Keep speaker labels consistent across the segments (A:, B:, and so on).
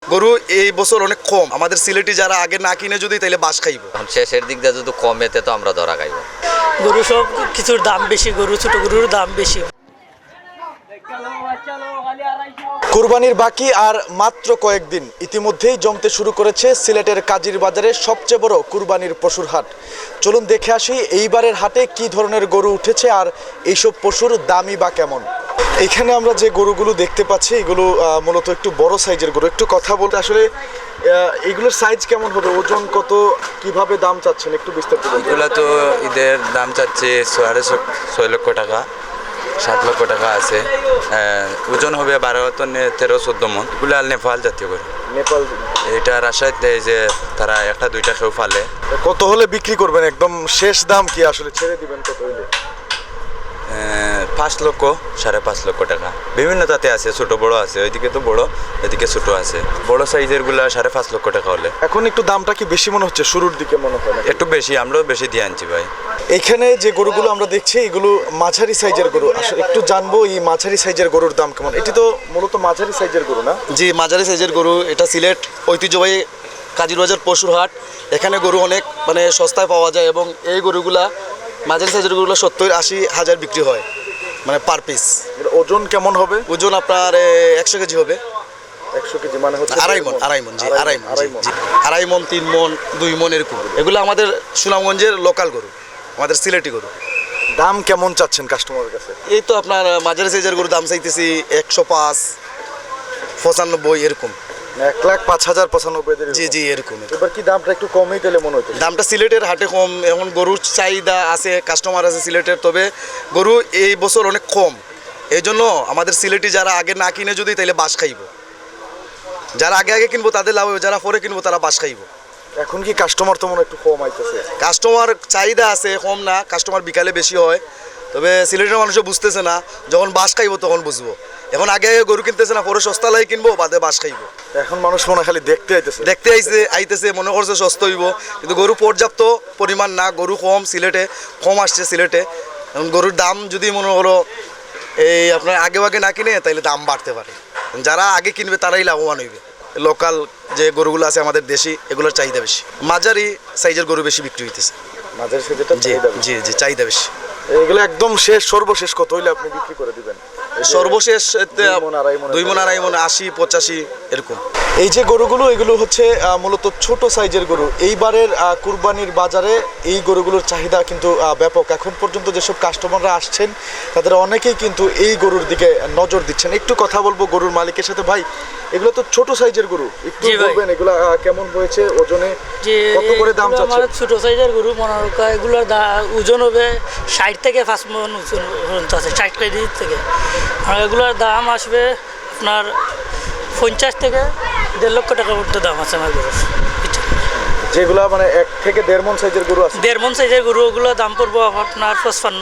A: গরু এই বছর অনেক কম। আমাদের সিলেটি যারা আগে না কিনে যদি তাইলে বাস খাইব।
B: এখন শেষের দিক দিয়ে যদি কমেতে তো আমরা ধরা খাইব।
C: গরু সব কিছুর দাম বেশি, গরু ছোট গরুর দাম বেশি।
D: কুরবানির বাকি আর মাত্র কয়েকদিন, ইতিমধ্যেই জমতে শুরু করেছে সিলেটের কাজির বাজারে সবচেয়ে বড় কুরবানির পশুর হাট। চলুন দেখে আসি এইবারের হাটে কি ধরনের গরু উঠেছে আর এইসব পশুর দামই বা কেমন। এখানে আমরা যে গরুগুলো দেখতে পাচ্ছি এগুলো মূলত একটু বড় সাইজের গরু। একটু কথা বলতে আসলে এগুলোর সাইজ কেমন হবে, ওজন কত, কিভাবে দাম চাচ্ছেন একটু বিস্তারিত বলুন।
E: এগুলো তো ঈদের দাম চাচ্ছে 6.5 লক্ষ টাকা, 7 লক্ষ টাকা আছে। ওজন হবে 12-13-14 মন। এগুলো আর নেপাল জাতীয় গরু।
D: নেপাল।
E: এটা রাজশাহীতে এই যে তারা একটা দুইটা কেউ ফালে।
D: কত হলে বিক্রি করবেন, একদম শেষ দাম কি আসলে ছেড়ে দিবেন কত হলে?
E: 5 লক্ষ 5.5 লক্ষ টাকা বিভিন্ন জাতে আছে, ছোট বড় আছে, ওইদিকে তো বড়, এদিকে ছোট আছে। বড় সাইজের গুলা 5.5 লক্ষ টাকা হলে।
D: এখন একটু দামটা কি বেশি মনে হচ্ছে, শুরুর দিকে মনে হয় না?
E: একটু বেশি, আমরাও বেশি দিয়ে আনছি ভাই।
D: এখানে যে গরুগুলো আমরা দেখছি এগুলো মাঝারি সাইজের গরু। আসলে একটু জানবো এই মাঝারি সাইজের গরুর দাম কেমন। এটি তো মূলত মাঝারি সাইজের গরু না?
A: জি, মাঝারি সাইজের গরু। এটা সিলেট ঐতিহ্যবাহী কাজির বাজার পশুর হাট। এখানে গরু অনেক সস্তায় পাওয়া যায় এবং এই গরুগুলা মাঝারি সাইজের গরুগুলো 70-80 হাজার বিক্রি হয় পার পিস।
D: ওজন কেমন হবে?
A: ওজন আপনার 100 কেজি হবে।
D: 100 কেজি মানে হচ্ছে
A: আড়াই মন। জি, আড়াই মন, জি। 2.5 মন, 3 মন, 2 মন এরকম। এগুলো আমাদের সুনামগঞ্জের লোকাল গরু, আমাদের সিলেটি গরু।
D: দাম কেমন চাচ্ছেন কাস্টমারের কাছে?
A: এই তো আপনার মাঝারি সাইজের গরু দাম চাইতেছি 105, 95 এরকম।
D: 1,05,095
A: জি জি এরকম।
D: এবার কি দামটা একটু কমই তাহলে মনে হতো?
A: দামটা সিলেটের হাটে কম, এখন গরুর চাহিদা আছে, কাস্টমার আছে সিলেটের, তবে গরু এই বছর অনেক কম। এই জন্য আমাদের সিলেটি যারা আগে না কিনে যদি তাইলে বাস খাইব। যারা আগে আগে কিনবো তাদের লাভ হবে, যারা পরে কিনবো তারা বাস খাইব।
D: এখন কি কাস্টমার তো মনে একটু কম আইতেছে?
A: কাস্টমার চাহিদা আছে, কম না। কাস্টমার বিকালে বেশি হয়, তবে সিলেটের মানুষও বুঝতেছে না, যখন বাস খাইব তখন বুঝবো। এখন আগে আগে গরু কিনতেছে না, পরে সস্তা লাই কিনবো, বাদে বাস খাইব।
D: এখন মানুষ মনে খালি দেখতে
A: আইতেছে মনে করছে সস্তা হইব, কিন্তু গরু পর্যাপ্ত পরিমাণ না, গরু কম সিলেটে, কম আসছে সিলেটে। এখন গরুর দাম যদি মনে করো এই আপনার আগে না কিনে তাইলে দাম বাড়তে পারে। যারা আগে কিনবে তারাই লাভবান হইবে। লোকাল যে গরুগুলো আছে আমাদের দেশি, এগুলোর চাহিদা বেশি। মাঝারি সাইজের গরু বেশি বিক্রি হইতেছে।
D: মাঝারি সাইজেরটা
A: জি জি জি, চাহিদা বেশি।
D: এগুলো একদম শেষ, সর্বশেষ কত হইলে আপনি বিক্রি করে দিবেন?
A: সর্বশেষ
D: 2 মণ,
A: 2.5 মণ, 80-85 এরকম।
D: এই যে গরুগুলো, এগুলো হচ্ছে মূলত ছোট সাইজের গরু। এইবারের কুরবানির বাজারে এই গরুগুলোর চাহিদা কিন্তু ব্যাপক। এখন পর্যন্ত যেসব কাস্টমাররা আসছেন তাদের অনেকেই কিন্তু এই গরুর দিকে নজর দিচ্ছেন। একটু কথা বলবো গরুর মালিকের সাথে। ভাই, এগুলো তো ছোট সাইজের গরু, একটু বলবেন এগুলো কেমন হয়েছে, ওজনে কত করে দাম চাচ্ছেন?
C: ছোট সাইজের গরু মনোরকা, এগুলোর ওজন হবে 60 থেকে 5 মণ ওজন আছে, 60 কেজি থেকে। আর এগুলোর দাম আসবে আপনার 50 থেকে 1.5 লক্ষ টাকার মধ্যে দাম আছে আমার গরুর।
D: যেগুলো 1 থেকে 1.5 মণ সাইজের গরু আছে,
C: 1.5 মণ সাইজের গরু, ওগুলো দাম পড়বো আপনার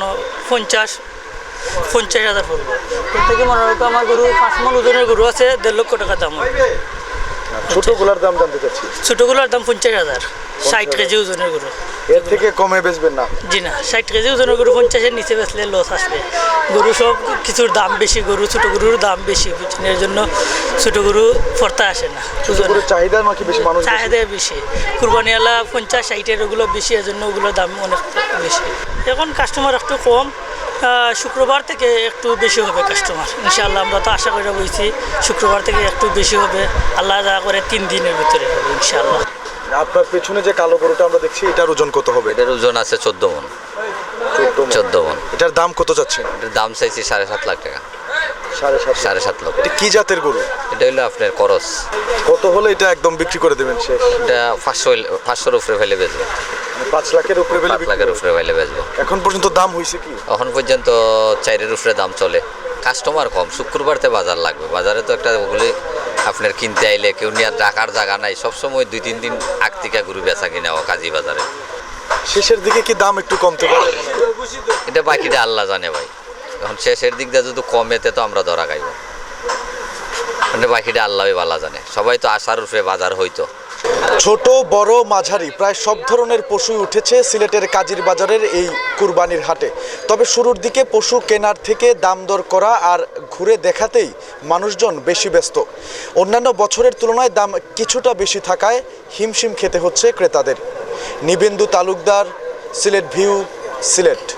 C: 55-50 হাজার পড়বো। এর থেকে মনে রাখো আমার গরু 5 মণ ওজনের গরু আছে, 1.5 লক্ষ টাকা দাম হবে।
D: ছোটগুলোর দাম জানতে চাচ্ছি।
C: ছোটগুলোর দাম 50,000, 60 কেজি ওজনের গরু।
D: এর থেকে কমে বেচবেন না?
C: জি না, 60 কেজি ওজনের গরু 50-এর নিচে বেচলে লস আসবে। গরু সব কিছুর দাম বেশি, গরু ছোট গরুর দাম বেশি, বুঝছেন? এর জন্য ছোট গরু পড়তে আসে না।
D: চাহিদা নাকি বেশি, মানুষ
C: চাহিদা বেশি। কুরবানিওয়ালা 50-60-এর ওগুলো বেশি, এর জন্য ওগুলোর দাম অনেক বেশি। এখন কাস্টমার একটু কম, শুক্রবার থেকে একটু বেশি হবে কাস্টমার ইনশাআল্লাহ। আমরা তো আশা করে বলছি শুক্রবার থেকে একটু বেশি হবে, আল্লাহ যা করে 3 দিনের ভিতরে হবে ইনশাআল্লাহ।
D: আপনার পেছনে যে কালো গরুটা আমরা দেখছি, এটার ওজন কত হবে?
B: এটার ওজন আছে 14 মণ। 14 মণ।
D: এটার দাম কত যাচ্ছে?
B: এটার দাম চাইছি 7.5 লাখ টাকা। 7.5 লক্ষ।
D: এটা কি জাতের গরু?
B: এটা হলো আপনার করস।
D: কত হলে এটা একদম বিক্রি করে দেবেন শেষ?
B: এটা 500-500-র উপরে ফেলে বেচবো।
D: 5 লাখের উপরে ফেলে?
B: 5 লাখের উপরে ফেলে বেচবো।
D: এখন পর্যন্ত দাম হয়েছে কি?
B: এখন পর্যন্ত 4-এর উপরে দাম চলে। কাস্টমার কম, শুক্রবারতে বাজার লাগবে। বাজারে তো একটা ওগুলি আপনার কিনতে আইলে কেউ নিয়ে রাখার জায়গা নাই, সবসময় 2-3 দিন আগ থেকে গরু বেচা কিনা কাজী বাজারে।
D: শেষের দিকে কি দাম একটু কমতে পারে?
B: এটা বাকিটা আল্লাহ জানে ভাই। এখন শেষের দিক দিয়ে যদি কমেতে তো আমরা ধরা খাইব। মানে বাকিটা আল্লাহই ভালো জানে, সবাই তো আশার উপরে বাজার হইতো।
D: ছোট বড় মাঝারি প্রায় সব ধরনের পশুই উঠেছে সিলেটের কাজির বাজারের এই কুরবানির হাটে। তবে শুরুর দিকে পশু কেনার থেকে দাম দর করা আর ঘুরে দেখাতেই মানুষজন বেশি ব্যস্ত। অন্যান্য বছরের তুলনায় দাম কিছুটা বেশি থাকায় হিমশিম খেতে হচ্ছে ক্রেতাদের। নিবেন্দু তালুকদার, সিলেট ভিউ, সিলেট।